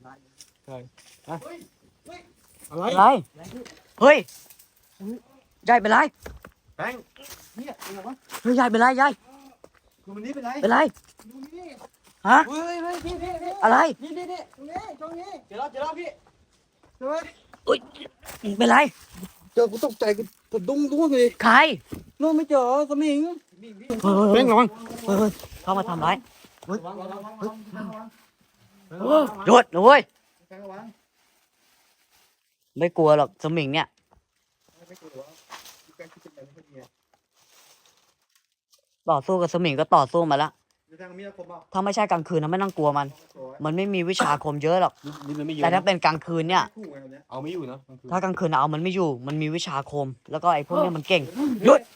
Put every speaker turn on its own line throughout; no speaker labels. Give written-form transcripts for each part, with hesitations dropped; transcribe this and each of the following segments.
ใช่อะไร
อะไรเฮ้ยยายเป็นไร
แบงค์เนี่ยเป็นไงวะ
เฮ้ยยายเป็นไรยาย
ดูมันนี่เป็นไร
เป็นไร
ดูนี่
ฮะ
เฮ้ยพี่
อะไร
นี่ตรงนี้เดี๋ยวเราพี่เฮ้ย
อุ้ยเป็นไร
เจอกูตกใจกูสะดุ้งร่วงเลย
ใคร
นู่นไม่เจอสมิง
เฮ้ย
แบงค์ระวัง
เฮ้ยเข้ามาทำร้าย
ระวัง
หยุดนะเว้ย
แบงค์ระวัง
ไม่กลัวหรอกสมิงเนี่ย
ไม่กลัวแบงค์คิดเป็นอะไรไม่ดี
ต่อสู้กับสมิงก็ต่อสู้มาแล้ว
แบงค์มีอะไรผมบอก
ถ้าไม่ใช่กลางคืนนะไม่ต้องกลัวมัน มันไม่มีวิชาอาคมเยอะหรอก
นี่มันไม่เยอะ
แต่ถ้าเป็นกลางคืนเนี่ย
เอาไม่อยู่นะ
ถ้ากลางคืนเอามันไม่อยู่ มันมีวิชาอาคม แล้วก็ไอ้พวกเนี้ยมันเก่ง หยุด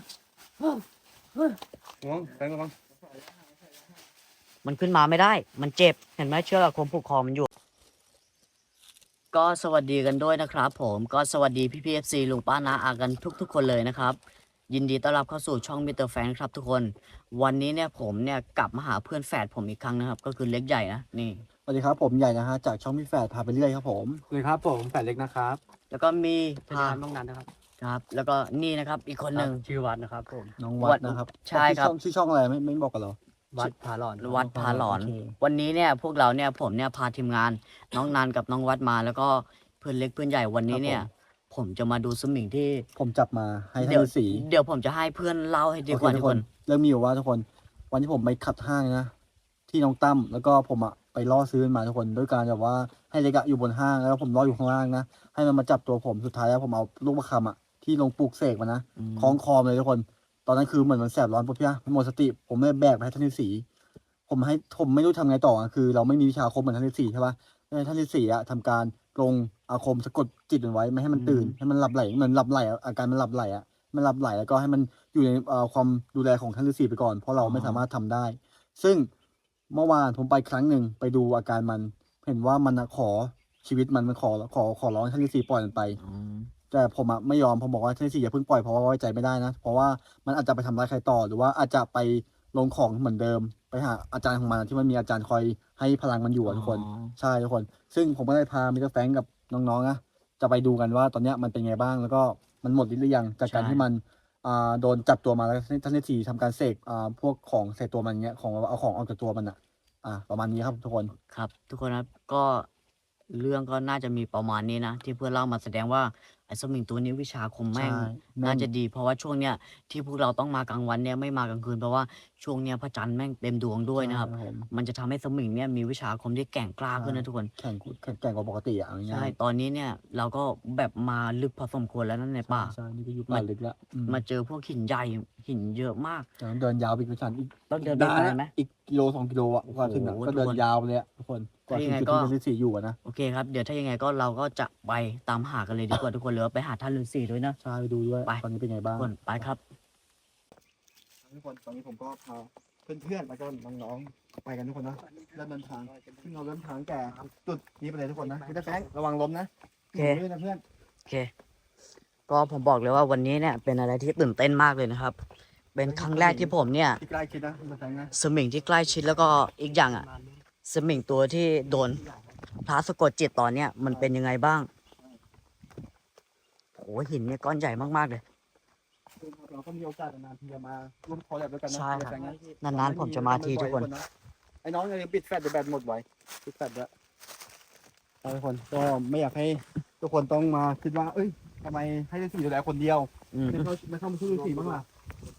ระวังแบงค์ระวัง
มันขึ้นมาไม่ได้ มันเจ็บ เห็นไหมเชือกอาคมผูกคอมันอยู่ ก็สวัสดีกันด้วยนะครับผม ก็สวัสดีพี่พีเอฟซีลุงป้าน้าอากันทุกคนเลยนะครับ ยินดีต้อนรับเข้าสู่ช่องมิสเตอร์แฟนครับทุกคน วันนี้เนี่ยผมเนี่ยกลับมาหาเพื่อนแฝดผมอีกครั้งนะครับ ก็คือเล็กใหญ่นะ นี่
สวัสดีครับผมใหญ่นะฮะจากช่องพี่แฝดพาไปเรื่อยครับผม
เลยครับผมแฝดเล็กนะครับ
แล้วก็มี
พาน้องนันนะครับ
ครับ แล้วก็นี่นะครับอีกคนหนึ่ง
ชื่อวัดนะครับผม
น้องวัดนะครับ
ใช่ครับ
ชื่อช่องอะไรไม่บอกกันเหรอ
วัดพาหลอน
วัดพาหลอน
โอเค
วันนี้เนี่ยพวกเราเนี่ยผมเนี่ยพาทีมงานน้องนันกับน้องวัดมา แล้วก็เพื่อนเล็กเพื่อนใหญ่วันนี้เนี่ย ผมจะมาดูสมิงที่
ผมจับมาให้ท่า
เดี๋ย
น
ว
ฤาษี
เดี๋ยวผมจะให้เพื่อนเล่าให้ดีกว่า
โอเค
ทุกคน
เริ่มมีอยู่ว่าทุกคน วันที่ผมไปขัดห้างนะที่น้องตั้มแล้วก็ผมอะไปล่อซื้อมันมาทุกคนด้วยการแบบว่าให้เล็กอะอยู่บนห้างแล้วผมล่ออยู่ข้างล่างนะให้มันมาจับตัวผมสุดท้ายแล้วผมเอาลูกประคำอะที่ลงปลูกเสกมานะ
อืม
คล้องคอมเลยทุกคน ตอนนั้นคือเหมือนมันแสบร้อนปุ๊บใช่ไหมมันหมดสติผมเลยแบกไปให้ท่านฤาษีผมไม่รู้ทำไงต่ออะคือ เราไม่มีวิชาอาคมเหมือนท่านฤาษีใช่ปะให้ท่านฤาษีอะทำการปรงอาคมสะกดจิตมันไว้ไม่ให้มันตื่นให้มันหลับไหลเหมือนหลับไหลอะอาการมันหลับไหลอะมันหลับไหลแล้วก็ให้มันอยู่ในความดูแลของท่านฤาษีไปก่อนเพราะเราไม่สามารถทำได้ ซึ่งเมื่อวานผมไปครั้งหนึ่งไปดูอาการมัน เห็นว่ามันอะขอชีวิตมันขอร้องให้ท่านฤาษีปล่อยมันไป
อืม
แต่ผมอะไม่ยอมผมบอกว่าท่านฤาษีอย่าเพิ่งปล่อยเพราะว่าไว้ใจไม่ได้นะเพราะว่ามันอาจจะไปทำร้ายใครต่อหรือว่าอาจจะไปลงของเหมือนเดิม ไปหาอาจารย์ของมันที่มันมีอาจารย์คอยให้พลังมันอยู่อะทุกคน ใช่ทุกคน ซึ่งผมก็ได้พามิสเตอร์แฟรงค์กับน้องๆนะจะไปดูกันว่าตอนเนี้ยมันเป็นไงบ้างแล้วก็มันหมดฤทธิ์หรือยังจากการที่มันโดนจับตัวมาแล้วท่านฤาษีทำการเสกพวกของใส่ตัวมันเงี้ยของเอาของออกจากตัวมันอะประมาณนี้ครับทุกคน
ครับ ทุกคนครับก็เรื่องก็น่าจะมีประมาณนี้นะที่เพื่อนเล่ามาแสดงว่าไอ้สมิงตัวนี้วิชาอาคมแม่ง
ใช่แม่ง
น่าจะดี เพราะว่าช่วงเนี้ยที่พวกเราต้องมากลางวันเนี่ยไม่มากลางคืนเพราะว่าช่วงเนี้ยพระจันทร์แม่งเต็มดวงด้วยนะครับ
ใช่ผม
มันจะทำให้สมิงเนี่ยมีวิชาอาคมที่แกร่งกล้าขึ้นนะทุกคน
แข่งกว่าปกติอะเอา
ใช่
ง่าย
ตอนนี้เนี่ยเราก็แบบมาลึกพอสมควรแล้วนั่นใน
ๆ
ป่า
ใช่นี่ก็อยู่ป่าลึกแล้ว
มาเจอพวกหินใหญ่หินเยอะมาก
แต่ต้องเดินยาวไปอีกประมาณอีก
ต้องเดินไปไกลไหม
อีกกิโล2 กิโลอ่ะกว่าถึงอ่ะ
โอ้โห
ก็เดิ
ทุก
น
คน
ยาวไปเลยอะทุกคนกว่าถึง
ถ้ายังไง
จุด
ก็
ที่ท่านฤาษีอยู่อะนะ
โอเคครับเดี๋ยวถ้ายังไงก็เราก็จะไปตามหากันเลยดีกว่าทุกคนหรือว่าไปหาท่านฤาษีด้วยนะ
ใช่ไปดูด้วย
ไป
ตอนนี้เป็นไงบ้าง
ทุกคนไปครับ
ทุกคนตอนนี้ผมก็พาเพื่อนๆแล้วก็น้องๆไปกันทุกคนนะเริ่มเดินทางซึ่งเราเริ่มทางแก่จุดนี้ไปเลยทุกคนนะพี่ตาแฟงระวังล้มนะ
โอเค
ด้วยนะเพื่อน
โอเค ก็ผมบอกเลยว่าวันนี้เนี่ยเป็นอะไรที่ตื่นเต้นมากเลยนะครับ เป็นครั้งแรกที่ผมเนี่ย
ที่ใกล้ชิดนะพี่ตาแฟงนะ
สมิงที่ใกล้ชิดแล้วก็อีกอย่างอ่ะสมิงตัวที่โดนพระสะกดจิตตอนเนี้ยมันเป็นยังไงบ้างโอ้หินเนี่ยก้อนใหญ่มากๆเลย
เราก็มีโอกาสนานๆทีจะมาร่วมคอลแลบด้วยกันนะ
ใช่ครับ
พี่ตาแฟงนะ
นานๆผมจะมาทีทุกคน
ไอ้น้องยังปิดแฟลชเดี๋ยวแบตหมดไว้ปิดแฟลชแล้วทุกคนก็ไม่อยากให้ทุกคนต้องมาคิดว่า เอ้ยทำไมให้ฤาษีดูแลคนเดียว
อืม
ไม่เข้ามาช่วยฤาษีบ้างล่ะ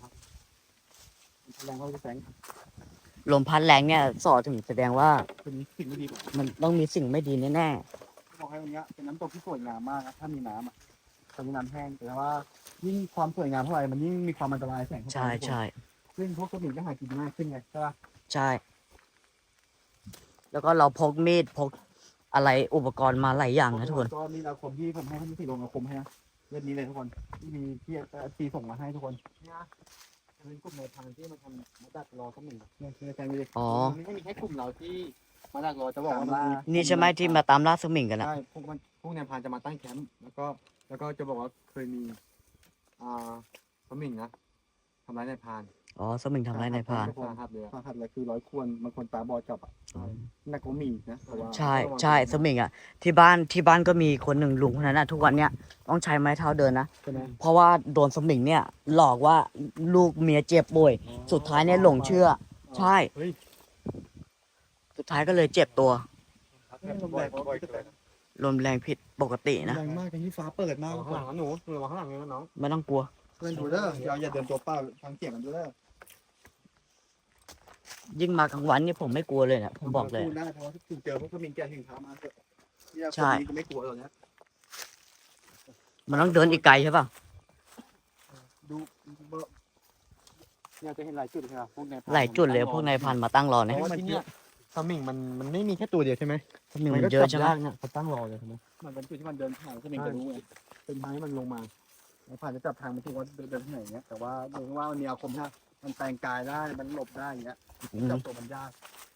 แรงเขาจะแสง
ลมพัดแรงเนี่ยสอถึงแสดงว่า
เป็นสิ่งที่ดี
มันต้องมีสิ่งไม่ดีแน่
บอกให้วันนี้เป็นน้ำตกที่สวยงามมากนะถ้ามีน้ำอ่ะตอนนี้น้ำแห้งแต่ว่ายิ่งความสวยงามเท่าไหร่มันยิ่งมีความอันตรายแสงเข้า
ๆ
ไป
ใช่ใช่
ซึ่งพวกกระบี่ก็หากินง่ายขึ้นไงใช่ปะ
ใช่ แล้วก็เราพกมีดพกอะไรอุปกรณ์มาหลายอย่างนะทุกคน
ก็มีอาคมที่ผมให้ท่านฤาษีลงอาคมให้นะเรื่องนี้เลยทุกคนที่มีที่ตีส่งมาให้ทุกคนเนี่ยจะเป็นกลุ่มในทางที่มาทำมาดักรอก็มีเนี่ยคือในแฟนมีเลย
อ๋อ
ไม่ใช่มีแค่กลุ่มเราที่มาดักรอจะบอกว่า
นี่ใช่ไหมที่มาตามล่าสมิงกันนะ
ใช่พวกแนวพรานจะมาตั้งแคมป์แล้วก็จะบอกว่าเคยมีสมิงนะทำร้ายนายพราน
อ๋อสมิงทำร้ายนายพราน
สาหัสเลยสาหัสเลยคือร้อยควรบางคนตาบอดจับอ่ะหนักกว่ามีนะแต่ว่า
ใช่ใช่สมิงอ่ะที่บ้านก็มีคนหนึ่งลุงคนนั้นอ่ะทุกวันเนี้ยต้องใช้ไม้เท้าเดินนะ
ใช่ไหม
เพราะว่าโดนสมิงเนี่ยหลอกว่าลูกเมียเจ็บป่วยสุดท้ายเนี่ยหลงเชื่อ ใช่
เฮ้ย
สุดท้ายก็เลยเจ็บตัว
ลมแรงบ่อยเกิน
ลมแรงผิดปกตินะ
แรงมากทั้งที่ฟ้าเปิดมากข้างหลังนะหนูระวังข้างหลังเลยนะน้อง
ไม่ต้องกลัว
เพื่อนดูเด้ออย่าเดินตัวเปล่าฟังเสียงกันด้วยเด้อ
ยิ่งมากลางวันนี่ผมไม่กลัวเลยนะผมบอกเลย
พูดได้เพราะว่าถึงเจอพวกขมิ้นแกถึงเท้ามาเถอะเนี่ย
ใช่
คนนี้ก็ไม่กลัวหรอกนะ
มันต้องเดินอีกไกลใช่ป่ะ
ดูเนี่ยจะเห็นหลายจุดใช่ไหมพวกนายพราน
หลายจุดเลยพวกนายพันมาตั้งรอ
เพ
เนี่ย
ราะว่าที่เนี่ยสมิงมันไม่มีแค่ตัวเดียวใช่ไหม
สมิงมันเยอะใช่ไหม
ยากเนี่ยเขาตั้งรอเลยใช่ไหมมันเป็นจุดที่มันเดินผ่านสมิงจะรู้ไงเป็นไม้มันลงมาแล้วผ่านจะจับทางมันถูกว่าเดินที่ไหนเงี้ยแต่ว่าดูว่ามันมีอาคมใช่มันแปลงกายได้มันหลบได้อย่างเงี้ย
อืม
จับตัวมันยาก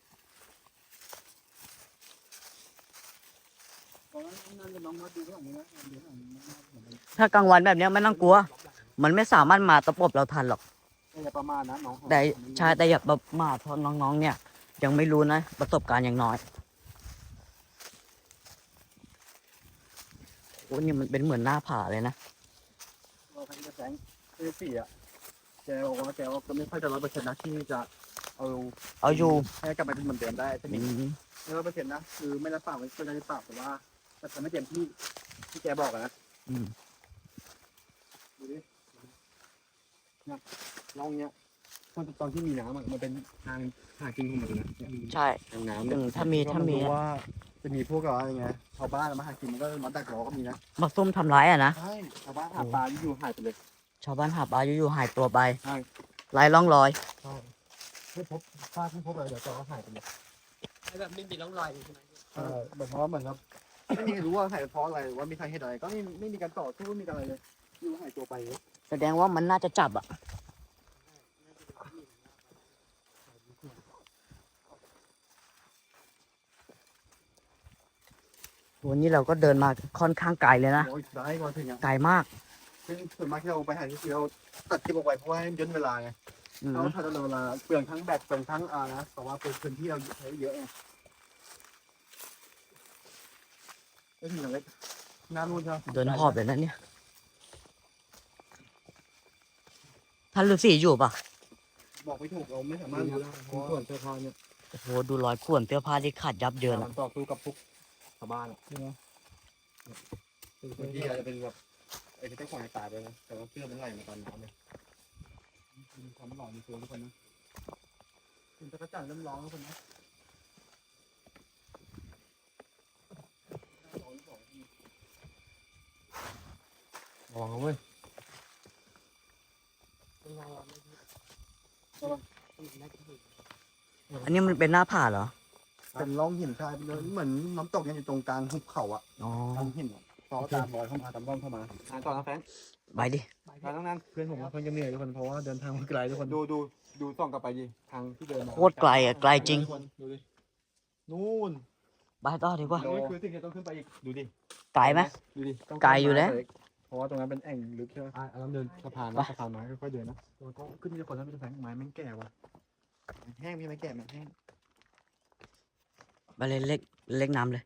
ตอนนั้นน้องมาดูข้างหลังนี้นะดูข้างหลังนี้
ถ้ากลางวันแบบเนี้ยไม่ต้องกลัว มันไม่สามารถมาตะปบเราทันหรอก
อย่าประมาณนะน้อง
แต่ใช่แต่อย่าแบบมาเพราะน้องๆ เนี่ย ยังไม่รู้นะประสบการณ์อย่างน้อยโอ้นี่มันเป็นเหมือนหน้าผาเลยนะ
เราพันจะแสงสี่อ่ะแกบอกว่าแกว่าก็ไม่ค่อยจะ100%นะที่จะเอา
เอาอยู่
ให้กลับมาเป็นเหมือนเดิมได้สมิ
อื
ง
ม
ไม่100%นะคือไม่รับปากไว้ก็ได้ปากแต่ว่าแต่ทำไม่เต็มที่แกบอกอะนะ
อืม
ดูดิเนี่ยร่องเนี้ยตอนที่มีน้ำอะมันเป็นทางหากินของมันเลยนะ
ใช่
ทางน้ำ
อืมถ้ามี
รู้ว่าจะมีพวกอะไรไงชาวบ้านมาหากินมันก็มาดักรอก็มีนะ
มาซุ่มทำร้ายอ่ะนะ
ใช่ชาวบ้านหาปลาอยู่หายไปเลย
ชาวบ้านหาปลาอยู่ๆหายตัวไป
ใช่
ไร้ร่องรอย
ใช่ไม่พบซากไม่พบอะไรเดี๋ยวจะหายไปเลย
แบบไม่มีร่องรอยใช่ไหม
แบบเพราะว่าเหมือนครับไม่มีใครรู้ว่าหายเพราะอะไรว่ามีสาเหตุอะไรก็ไม่มีการต่อสู้ไม่มีอะไรเลยอยู่หายตัวไปเลย
แสดงว่ามันน่าจะจับอ่ะวันนี้เราก็เดินมาค่อนข้างไกลเลยนะ
โอ้ยได้ก่อนถึงอ่ะ
ไกลมาก
ซึ่งส่วนมากที่เราไปหาที่เราตัดคลิปออกไปเพราะว่าให้ย่นเวลาไง
อืม
เราถ้าเราเวลาเปลืองทั้งแบตเปลืองทั้งนะแต่ว่าเป็นพื้นที่เราใช้เยอะไงไม่ถึงอย่างเล็กน้ำนู่นใช่ไหม
เดินหอบเลยนะเนี่ยท่านฤาษีอยู่ปะ
บอกไม่ถูกเราไม่สามารถรู้ได้เพราะส่วนเสื้อผ้าเนี่ย
โอ้โหดูรอยข่วนเสื้อผ้าที่ขาดยับเยิน
มั
อ่ะ
นต่อสู้กับพวกชาวบ้านใช่ไหมบางทีอาจจะเป็นแบบไอ้ที่เจ้าของตายไปนะแต่ว่าเสื้อมันไหลมาตอนน้ำเลยมีความหล่อในตัวทุกคนนะคุณจักรจันทร์เริ่มร้องทุกคนนะ ระวังเว้ย
อันนี้มันเป็นหน้าผาเหรอ
เป็นร่องหินชายไปเลยเหมือนน้ำตกเนี่ยอยู่ตรงกลางหุบเขาอะ
อ๋อ
ทางหินซอตามรอยเข้ามาตามร่องเข้ามาต่อนะแฟน
ไปดิ
ไปตั้งนั้นเพื่อนผมเพื่อนจะเหนื่อยทุกคนเพราะว่าเดินทางมาไกลทุกคนดูส่องกลับไปดิทางที่เดินมา
โคตรไกลอ่ะไกลจริง
ดูดินู่น
ไปต่อดีกว่า
นี่คือสิ่งที่ต้องขึ้นไปอีกดูดิ
ไกลไหม
ดูดิต้อง
ไกลอยู่แล้ว
เพราะว่าตรงนั้นเป็นแอ่งลึกใช่ไหมเราเดินสะพานนะสะพานไม้ค่อยๆเดินนะตัวก็ขึ้นทีละคนแล้วเป็นแสงไม้แม่งแก่ว่ะแห้งพี่ไม้แก่มันแห้ง
ไปเลยเล็กน้ำเลย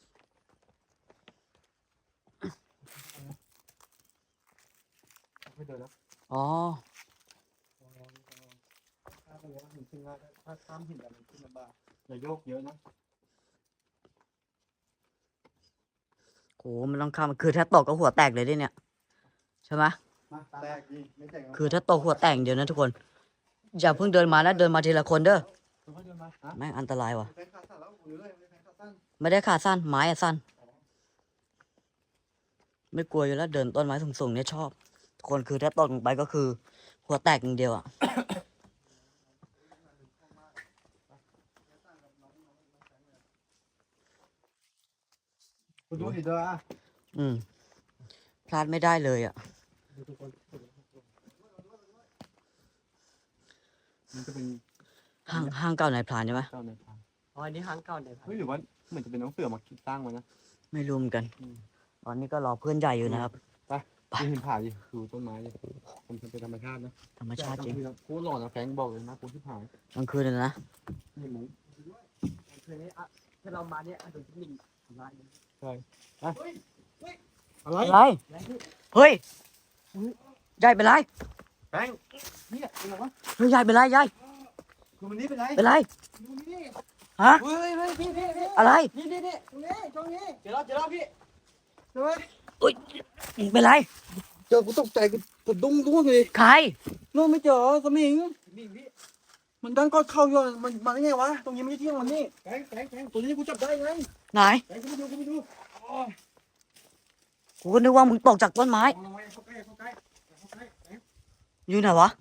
ไม่เดินแล้ว
อ๋อ
ถ้าไปว่าหินขึ้นง่ายถ้าข้ามหินอะไรขึ้นลำบากอย่าโยกเยอะนะ
โหมันต้องข้ามคือถ้าตกก็หัวแตกเลยดิเนี่ย ใช่ไหม
แตกดิไม่แตก
คือถ้าตกหัวแตกเดี๋ยวนะทุกคน อย่าเพิ่งเดินมานะเดินมาทีละคนเด้อ
ค่อยๆเดินมาฮะ
แม่งอันตรายว่ะ
แฟนขาสั้นแล้วหรือเลยแฟนขาสั้น
ไม่ได้ขาสั้นไม้อะสั้น ไม่กลัวอยู่แล้วเดินต้นไม้สูงๆเนี่ยชอบทุกคนคือถ้าตกลงไปก็คือ หัวแตกอย่างเดียวอ่ะ
คุณดูดิเด้ออ่ะ
อืมพลาดไม่ได้เลยอ่ะ
ดูทุกคนมันจะเป็น
ห้างเก่านายพรานใช่ไหม
เจ้าในพาน
อ๋ออันนี้ครั้งเก่าในพัน
เฮ้ยหรือว่าเหมือนจะเป็นน้องเสือมาสร้างมานะ
ไม่รู้เหมือนกัน
อืม
ตอนนี้ก็รอเพื่อนใหญ่อยู่นะครับ
ที่เห็นผ่าดิดูต้นไม้ดิมันเป็นธรรมชาตินะ
ธรรมชาติจริง
โคตรหล่อนะแฟรงค์บอกเลยนะกูที่ผ่าน
กลางคืนเลยนะ
นี่หมู
คืนนี้อ่ะถ้าเรามาเนี่ยโดนจิ้งหรีดทำร้าย
อะไร
อะไร เฮ้ยยายเป็นไร
แฟรงค์เนี่ยเป็นไรวะ
เฮ้ยยายเป็นไรยาย
ดูมันนี่เป็นไร
เป็นไร
ดูนี่
ฮะ
เฮ้ย
พี่
พี่
อะไร
นี่ตรงนี้เจอแล้วพี่
เฮ้ย
อุ้ยเป็นไร
เจอกูตกใจกูสะดุ้งร่วงเลย
ใคร
นู่นไม่เจอสมิง
นี่พี่
มันดังก็เข้าอยู่มันมาได้ไงวะตรงนี้ไม่ใช่ที่ของมันนี่แฟงตัวนี้กูจับได้ไง
ไหน
แฟงกูไปดู
กูก็นึกว่ามึงตกจากต้นไม้
เข้าใกล้แฟง
อยู่ไหนวะ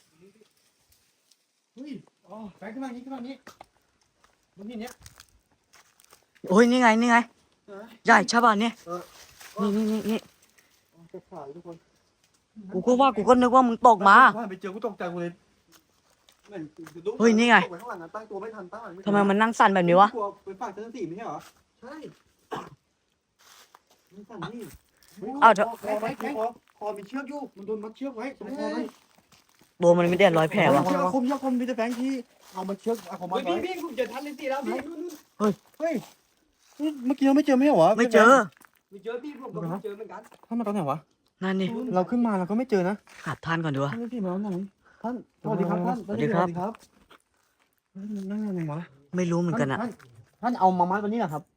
เฮ้ยอ๋อแฟงขึ้นมานี้ตรงนี้เนี่ย
โอ้ยนี่ไงนี่ไงยายใช่ป่ะเนี่ย นี่
จะขาดทุกคน
กูก็นึกว่ามึงตกมา
ไปเจอกูตกใจกูเลย
เฮ้ยนี่ไง
ตกปข้างหลังนะตั้งตัวไม่ทันตั้งหลังไม่ทัน
ทำไมมันนั่งสั่นแบบนี้วะ
กลัวไปฝั่งเจ้าหน้าที่ไม่ใช่เหรอใช่มันสั่นนี่
อ้าวเถอะ
คอไหมคอมีเชือกอยู่มันโดนมัดเชือกไว้ตรงคอไหม
ตัวมันไม่ได้รอยแผลวะ
เชือกคมมีแต่แฟงที่เอามาเชือกเอาของมันไว้
พี่ผมเจอทันเลยสิแล้วพี่
เฮ้ยเมื่อกี้เราไม่เจอไม่ใช่เหรอ
ไม่เจอ
ไม่เจอพี่ผมก็ไม่เจอเหมือนกัน
ท่านมาตอนไหนวะ
นั่นนี่
เราขึ้นมาเราก็ไม่เจอนะ
หาท่านก่อนดีวะ
ท่านพี่มาแล้วไหนท่านสวัสดีครับท่าน
สวัสดีครับ
นั่งยังไงวะ
ไม่รู้เหมือนกันอะ
ท่านเอามามัดวันนี้เหรอครับ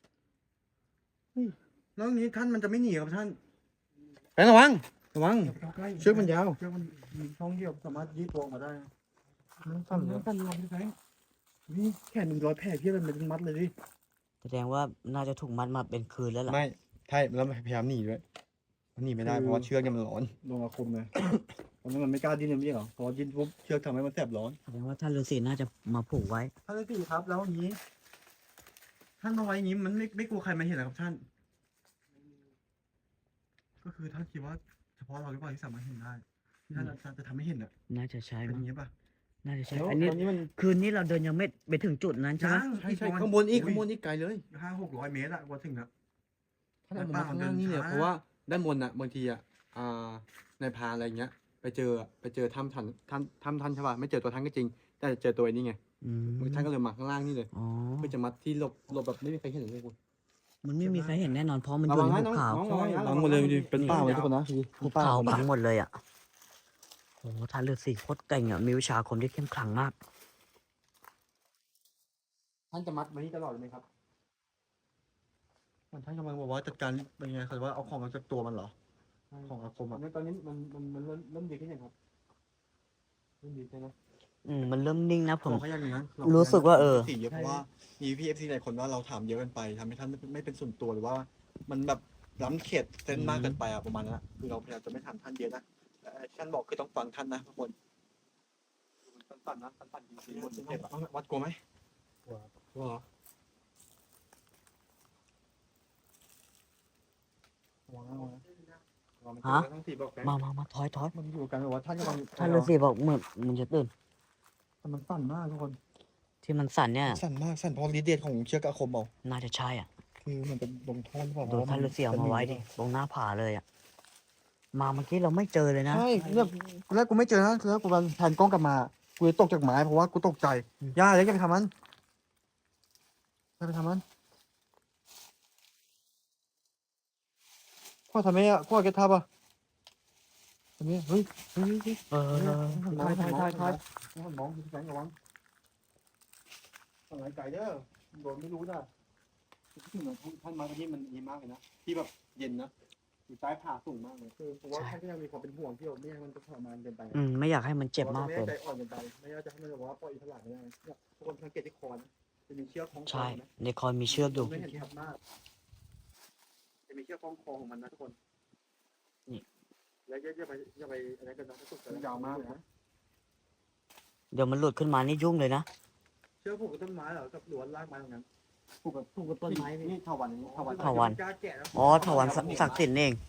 แล้วนี้ท่านมันจะไม่หนีครับท่านแฟนระวังเชือกมันยาวเชือกมันมีช่องเดียวสามารถยืดตัวออกมาได้สั่นเลยสั่นลงไปนี่แขนมันรอยแผลเพี้ยมันเป็นมัดเลยดิ
แสดงว่าน่าจะถูกมัดมาเป็นคืนแล้วล่ะ
ไม่ใช่แล้วพยายามหนีด้วยมันหนีไม่ได้เพราะว่าเชือกเนี่ยมันร้อน
ลงอาคมเลยตอนนั้นมันไม่กล้าดิ้นเลยไม่ใช่เหรอพอดิ้นปุ๊บเชือกทำให้มันแสบร้อน
แสดงว่าท่านฤาษีน่าจะมาผูกไว้
ท่านฤาษีครับแล้วอย่างนี้ ท่านมาไว้อย่างนี้มันไม่กลัวใครมาเห็นเหรอครับท่าน ก็คือท่านคิดว่าเฉพาะเราหรือเปล่าที่สามารถเห็นได้ที่ท่านจะทำให้เห็นอ่ะ
น่าจะใช่
เป็นอ
มั้ง
ย่างนี้ป่ะ
น่าจะใช่
แล้ว
อันนี้
ตอนนี้มัน
คืนนี้เราเดินยังไม่ไปถึงจุดนั้นใช่ไหม
ใช่
ข้างบนอีกไกลเลย
500-600 เมตรอะกว่าถึงอะ
ท่านเอามาข้างล่างนี่เนี่ยเพราะว่าด้านบนอ่ะบางทีอ่ะในพรานอะไรเงี้ยไปเจอถ้ำท่านใช่ป่ะไม่เจอตัวท่านก็จริง แต่เจอตัวไอ้นี่ไง
อืม
ท่านก็เลยมาข้างล่างนี่เลย
อ๋อ
เพื่อจะมัดที่หลบแบบไม่มีใครเห็นเลยคุณ
มันไม่มีใครเห็นแน่นอนเพราะมันอ
ระ
ยู่
วัง
ใน
นะ
หุบเขา
น้องระวังหมดเลยเป็นป่าเลยทุกคนนะ
หุบเขาบังหมดเลยอ่ะโอ้โหท่านฤาษีโคตรเก่งอ่ะมีวิชาอาคมที่เข้มขลังมาก
ท่านจะมัดไว้นี่ตลอดเลยไหมครับ
มันท่านกำลังบอกว่าจัดการเป็นไงคือว่าเอาของออกจากตัวมันเหรอ ของอาคมอะ
ตอนนี้มันเริ่มดีขึ้นยังครับเริ่มดีใช่ไหม
มันเริ่มนิ่งนะผม
เราก็ยังอย่างนั้น
รู้สึกว่า
สีเยอะเพราะว่ามีพี่เอฟซีหลายคนว่าเราถามเยอะเกินไปทำให้ท่านไม่เป็นส่วนตัวหรือว่า มันแบบล้ำเขตเส้นมากเกินไปอะประมาณนั้นอะคือเราพยายามจะไม่ถามท่านเยอะนะแต่ท่านบอกคือต้องฟังท่านนะทุกคนตันนะตันจริงๆมันเจ็บอะวัดกลัวไหมกลัวเหรอระวังนะระวังนะระวังมันเจอทั้งสี่บอกแฟน
มาถอย
มันอยู่กันแบบว่าท่านกำลัง
ท่านฤาษีบอกมันจะตื่น
มันสั่นมากทุกคน
ที่มันสั่นเนี่ย
สั่นมากสั่นเพราะฤทธิ์เดชของเชือกอาคมเอา
น่าจะใช่อ่ะ
คือมันเป็นลงโทษหรือเปล่า
โดนท่านฤาษีเอามาไว้ดิตรงหน้าผาเลยอ่ะมาเมื่อกี้เราไม่เจอเลยนะ
ใช่เนี่ยตอนแรกกูไม่เจอนะแล้วกูกำลังแทนกล้องกลับมากูเลยตกจากไม้เพราะว่ากูตกใจย่าเลยจะไปทำมันจะไปทำมันพ่อทำไมอ่ะพ่อแกทำอ่ะทำไมเฮ้ย
เออ
ถ่ายมองดูแสงระวังอะไรไก่เด้อโดนไม่รู้นะท่านมาที่มันดีมากเลยนะที่แบบเย็นนะอยู่ใต้ผาสูงมากเลยคือเพราะว่าท่านก็ยังมีความเป็นห่วงที่เราไม่ให้มันทรมานเกินไป
ไม่อยากให้มันเจ็บมาก
ไม่
เกิน
ใจอ่อนเกินไปไม่ว่าจะให้มันแบบว่าปล่อยอิสระไม่ได้เนี่ยทุกคนสังเกตที่คอนะจะมีเชือกคล้องคอ
ใช่
นะ
ในคอยมีเชือกอยู่
ไม่เห็นชัดมากจะมีเชือกคล้องคอของมันนะทุกคน
นี่
แล้วอย่าไปอะไรกันนะถ้าสุดยาวมากเลยนะ
เดี๋ยวมันหลุดขึ้นมานี่ยุ่งเลยนะ
เชือกผูกกับต้นไม้เหรอกับหลวนรากไม้ตรงนั้น
ผูกกับต้นไม้พี่
นี่เถาวันนี้เถาวัน
เถาวัลย์
กล้าแกะนะ
อ๋อถวันศักดิ์สิทธิ์นี่เอง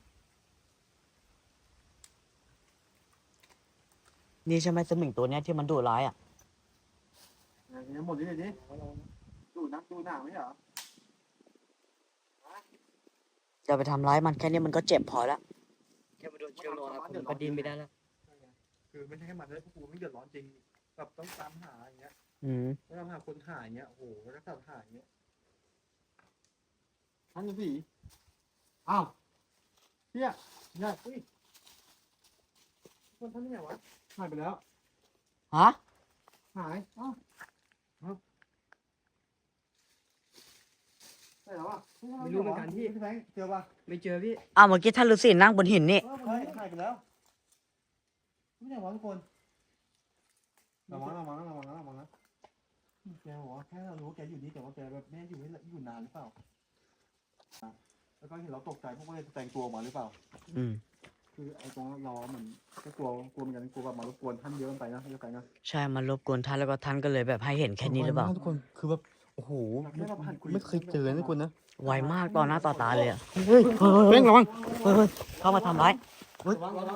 นี่ใช่ไหมสมิงตัวเนี้ยที่มันดุร้ายอ่ะ
อย่างนี้หมดนี่เลยดิดูนักดูหนังไม่เหรอ
จะไปทำร้ายมันแค่นี้มันก็เจ็บพอแล้ว
นเชือกลงอาคม
ก็ดิ้นไม่ได้แล้ว
คือไม่ใช่แค่มันเลยพวกกูไม่เดือดร้อนจริงแบบต้องตามหาอย่างเงี้ย
อืม
ต้องตามหาคนหายอย่างเงี้ยโอ้โหแล้วก็หายอย่างเงี้ยท่านฤาษีอ้าวเนี่ยเนี่ยอุ้ยคนท่านนี่ไงวะหายไปแล้ว
ฮะ
หายอ้าวใช่แล้วอ่ะ
ไม่รู้เหมือนกันพี่
พี่แบงค์เจอป่ะ
ไม่เจอพี่
อ้าวเมื่อกี้ท่านฤาษีนั่งบนหินนี่
ใช่หายไปแล้วไม่ใช่วะทุกคนระวังนะแกบอกว่าแค่เรารู้ว่าแกอยู่นี่แต่ว่าแกแบบไม่ได้อยู่นานหรือเปล่าแล้วก็เห็นเราตกใจพวกมันเลยแต่งตัวออกมาหรือเปล่า
อืม
คือไอ้ตรงรอเหมือนก็กลัวเหมือนกันกลัวแบบมารบกวนท่านเยอะเกินไปนะเยอะไปนะ
ใช่มันรบกวนท่านแล้วก็ท่านก็เลยแบบให้เห็นแค่นี้หรือเปล่า
ทุกคนคือแบบโอ้โหไม่เคยเจอนะทุกคนนะ
ไวมากต่อหน้าต่อตาเลยอะเฮ้ย
เร่งระวัง
เฮ้ยเข้ามาทำร้าย
ระวัง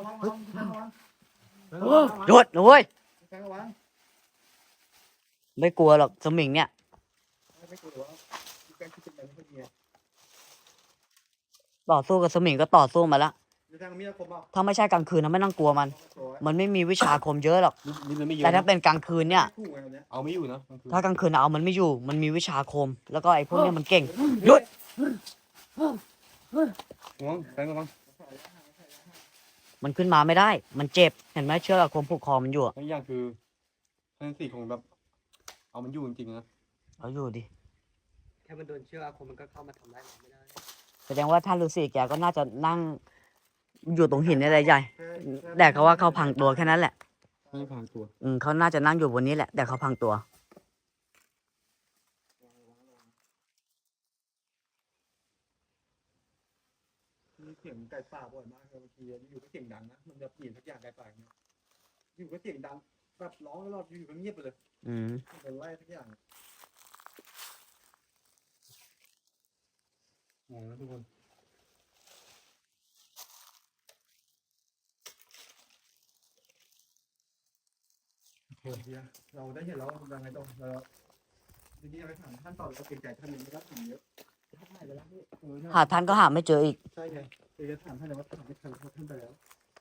หยุดนะเว้ย
ระวัง
ไม่กลัวหรอกสมิงเนี่ย
ไม่กลัวว่าแกคิดเป็นแบบนี้
ต่อสู้กับสมิงก็ต่อสู้มาแล้ว
มีทางมีดคมเปล่า
ถ้าไม่ใช่กลางคืนนะไม่ต้องกลัวมัน มันไม่มีวิชาอาคมเยอะหรอก
นี่มันไม่เยอะ
แต่ถ้าเป็นกลางคืนเนี่ย
เอาไม่อยู่นะ
ถ้ากลางคืนเอามันไม่อยู่ มันมีวิชาอาคม แล้วก็ไอ้พวกเนี้ยมันเก่ง หยุด
ระวังแบงค์ระวัง
มันขึ้นมาไม่ได้ มันเจ็บ เห็นไหมเชือกอาคมผูกคอมันอยู่อะ
แล้วอย่างคือท่านสี่คงแบบเอามันอยู่จริงๆนะ
เอาอยู่ดิ
แค่มันโดนเชือกอาคมมันก็เข้ามาทำร้ายเราไม่ได้
แสดงว่าท่านฤาษีแกก็น่าจะนั่งอยู่ตรงหินนี่แหละใหญ่ แต่เขาว่าเขาพังตัวแค่นั้นแหละ
ไม่พางตัว
เขาน่าจะนั่งอยู่บนนี้แหละ แต่เขาพังตัว
มีเสียงไก่ป่าบ่อยมากเลยบางทีอยู่ก็เสียงดังนะมันจะเปลี่ยนสักอย่างไก่ป่าเนี่ยอยู่ก็เสียงดังแบบร้องตลอดอยู่ก็เงียบไปเลย
อืม
โดนไล่สักอย่างงงนะทุกคนโหดดีนะเราได้เห็นแล้วยังไงต้องเราทีนี้ไปถามท่านต่อเราเกรงใจท่านยังไม่รับถึงเยอะท่านหายไปแล้วพี่
หาท่านก็หาไม่เจออีก
ใช่ไงเดี๋ยวจะถามท่านเลยว่าถามไม่ทันเพราะท่านไปแล้ว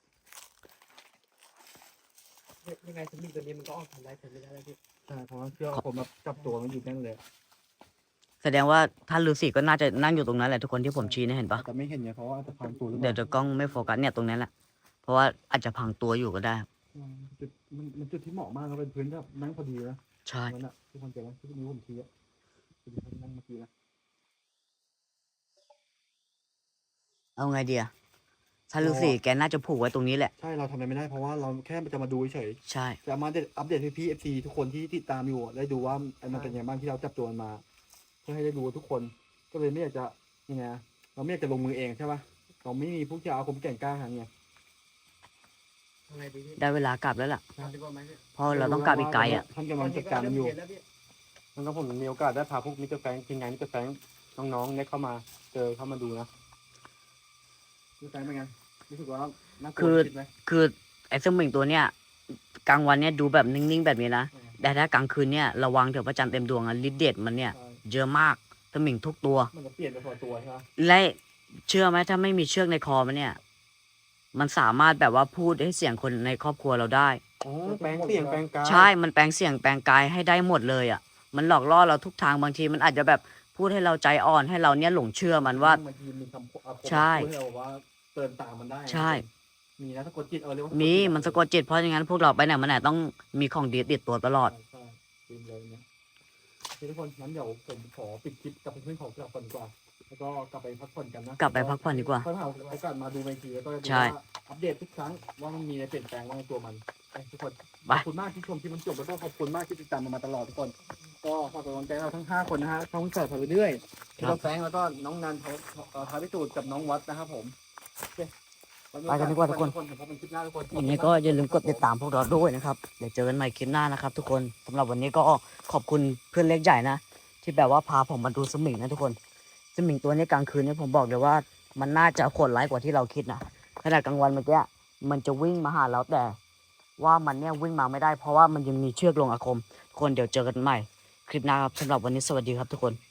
ยังไงสมิงตัวนี้มันก็ออกทำร้ายคนไม่ได้แล้วพี่
ใช่เพราะว่าเชือกผมแบบจับตัวมันอยู่แน่นเลย
แสดงว่าท่านฤาษีก็น่าจะนั่งอยู่ตรงนั้นแหละทุกคนที่ผมชี้เนี่ยเห็นปะ
แต่ไม่เห็นไงเพราะว่าจะพังตัวหรือเป
เดี๋ยว
ล่า
จะกล้องไม่โฟกัสเนี่ยตรงนั้นแหละ เพราะว่าอาจจะพังตัวอยู่ก็ได้
จุดมันจุดที่เหมาะมากครับเป็นพื้นแบบนั่งพอดีนะ
ใช่
นั่นแหละทุกคนเจอไหมที่นิ้วผมชี้อ่ะที่ผมนั่งเมื่อกี้นะ
เอาไงดีอะท่านฤาษีแกน่าจะผูกไว้ตรงนี้แหละ
ใช่เราทำอะไรไม่ได้เพราะว่าเราแค่จะมาดูเฉย
ใช่
จะมาอัปเดตให้พี่เอฟซีทุกคนที่ติดตามอยู่ได้ดูว่ามันเป็นยังไงบ้างที่เราจับตัวมันมาเพื่อให้ได้ดูทุกคนก็เลยไม่อยากจะยังไงเราไม่อยากจะลงมือเองใช่ปะเราไม่มีผู้ที่อาคมแก่งกล้าหาไง
ทำไงดีพี่
ได้เวลากลับแล้วล่ะ
ทำดีกว่าไหมพี่
เพราะเราต้องกลับอีกไกลอะ
ท่านกำลังจัดการมันอยู่
เห็นแล้วพี่
มันก็ผมมีโอกาสได้พาพวกมิสเตอร์แฟรงค์ทีมงานมิสเตอร์แฟรงค์น้องๆเนี่ยเข้ามาเข้ามาดูนะมิสเตอร์แฟรงค์เป็นไงรู้สึกว่าน่ากลัวคิดไหม
คือไอ้สมิงตัวเนี้ยกลางวันเนี่ยดูแบบนิ่งๆแบบนี้นะ แต่ถ้ากลางคืนเนี่ยระวังเถอะพระจันทร์เต็มดวงอะฤทธิ์เดชมันเนี่ยเยอะมากสมิงทุกตัว
มันจะเปลี่ยนไปพอตัวใช่ไหม
และเชื่อไหมถ้าไม่มีเชือกในคอมันเนี่ย มันสามารถแบบว่าพูดให้เสียงคนในครอบครัวเราได้
อ๋อแปลงเสียงแปลงกาย
ใช่ มันแปลงเสียงแปลงกายให้ได้หมดเลยอ่ะ มันหลอกล่อเราทุกทางบางทีมันอาจจะแบบพูดให้เราใจอ่อนให้เราเนี่ยหลงเชื่อมันว่า
บางทีมีคำอาคม
ใช่
พูดให้เราว่าเตือนตามมันได้
ใช่
มีนะสะกดจิตเรียกว่า
มี
จิต
มันสะกดจิตเพราะอย่างนั้นพวกเราไปไหนมาไหนต้องมีของดีติดตัวตลอด
ใช่จริงเลยเนี่ยโอเคทุกคนงั้นเดี๋ยวผมขอปิดคลิปกับเพื่อนๆของเราก่อนดีกว่าแล้วก็กลับไปพักผ่อนกันนะ
กลับไปพักผ่อนดีกว่า
ค่อยหาโอกาสมาดูในทีแล้วก็ดู
ใช่
ว่าอัปเดตทุกครั้งว่ามันมีอะไรเปลี่ยนแปลงว่าในตัวมันไปทุกคน
ไป
ขอบคุณมากที่ชมที่มันจบแล้วก็ขอบคุณมากที่ติดตามมาตลอดทุกคน ก็ฝากกำลังใจเราทั้ง 5 คนนะฮะช่องแสบไปเรื่อยพี่น้องแฟงแล้วก็น้องนันท้าพิสูจน์กับน้องวัดนะครับผมโอเค
ไปกันดีกว่าทุกคน
พบกันคลิปหน้าทุกคน
ยังไงก็อย่าลืมกดติดตามพวกเราด้วยนะครับ เดี๋ยวเจอกันใหม่คลิปหน้านะครับทุกคนสำหรับวันนี้ก็ขอบคุณเพื่อนเล็กใหญ่นะ ที่แบบว่าพาผมมาดูสมิงนะทุกคน สมิงตัวนี้กลางคืนเนี่ยผมบอกเลยว่ามันน่าจะโหดร้ายกว่าที่เราคิดนะขณะกลางวันเมื่อกี้มันจะวิ่งมาหาเราแต่ว่ามันเนี่ยวิ่งมาไม่ได้เพราะว่ามันยังมีเชือกลงอาคมทุกคนเดี๋ยวเจอกันใหม่คลิปหน้าครับสำหรับวันนี้สวัสดีครับทุกคน